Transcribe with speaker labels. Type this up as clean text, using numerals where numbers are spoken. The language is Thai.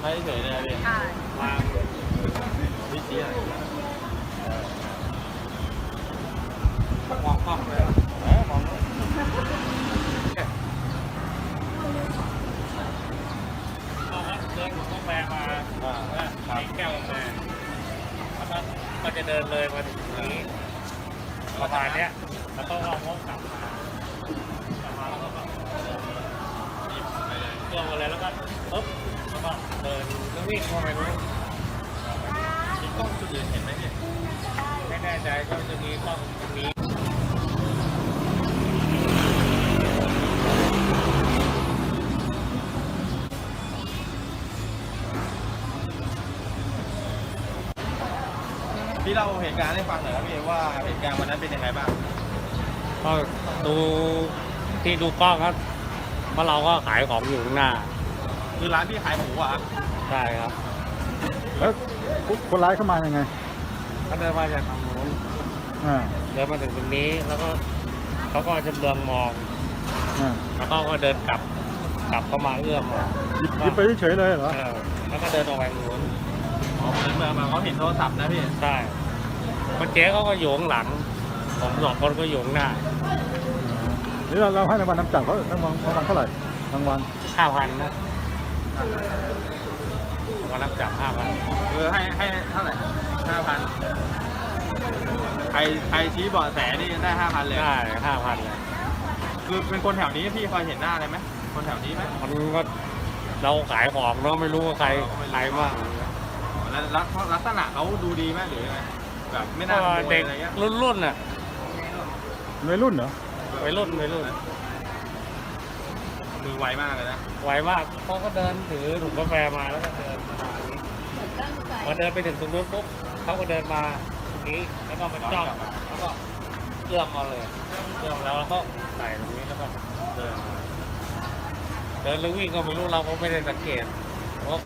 Speaker 1: ว้เฉยๆเลยพี่
Speaker 2: ใช่
Speaker 1: วางวิธีอะไรมองกล้องเลยมองเดินกาแฟมามีแก้วกาแฟแล้วก็จะเดินเลยมาถึงตรงนี้ประมาณเนี้ยแล้วก็เอาห้องกลับมาแล้วก็เครื่องมาเลยแล้วก็ปุ๊บแล้วก็เดินแล้ววิ่งเข้าไปนู้นมีกล้องจุดอื่นเห็นไหมเนี่ยไม่แน่ใจก็จะมีกล้องตรงนี้พี่เล่าเหตุการณ์ให้ฟังหน่อยครับพี่ว่าเหตุการณ์วันนั้นเป็นยังไงบ้างก็ดูที่ดูกล้องครับเพราะเราก็ขายของอยู่ข้างหน้าคือร้านพี่ขายหมูอ่ะใช่ครับ
Speaker 3: แล้วคนร้ายเข้ามายังไง
Speaker 1: เขาเดินมาจากทางนู้น เดินมาถึงตรงนี้แล้วก็เขาก็จะเบืองมองแล้วก็เดินกลับเข้ามาเอื้อม
Speaker 3: หยิบไปเฉยๆเลยเหรอ
Speaker 1: แล้วก็เดินออกไปทางนู้นเมืองมาเขาเห็นโทรศัพท์นะพี่ใช่คนเจ๊เขาก็โยงหลังผมสองคนก็โยงหน้า
Speaker 3: นี่เราให้รางวัลน้ำจับเขารางวัลเท่าไหร่รางวัล
Speaker 1: 5,000นะวันรับจับ5,000ให้เท่าไหร่5,000ใครชี้เบาะแสนี่ได้5,000เลยได้5,000เลยคือเป็นคนแถวนี้พี่พอเห็นหน้าอะไรไหมคนแถวนี้ไหมมันก็เราขายของเนาะไม่รู้ว่าใครบ้างแล้วลักษณะเขาดูดีไหมหรือไงแบบไม่น่าเด็กรุ่นน่ะ
Speaker 3: วัยรุ่นเหรอ
Speaker 1: วัยรุ่นมือไวมากเลยนะไวมากเขาก็เดินถือถุงกาแฟมาแล้วก็เดินพอเดินไปถึงตรงนู้นปุ๊บเขาก็เดินมาตรงนี้แล้วก็มาจ้องแล้วก็เอื้อมมาเลยเอื้อมแล้วก็ใส่ตรงนี้แล้วก็เดินแล้ววิ่งก็ไม่รู้เราก็ไม่ได้สังเกตเพราะ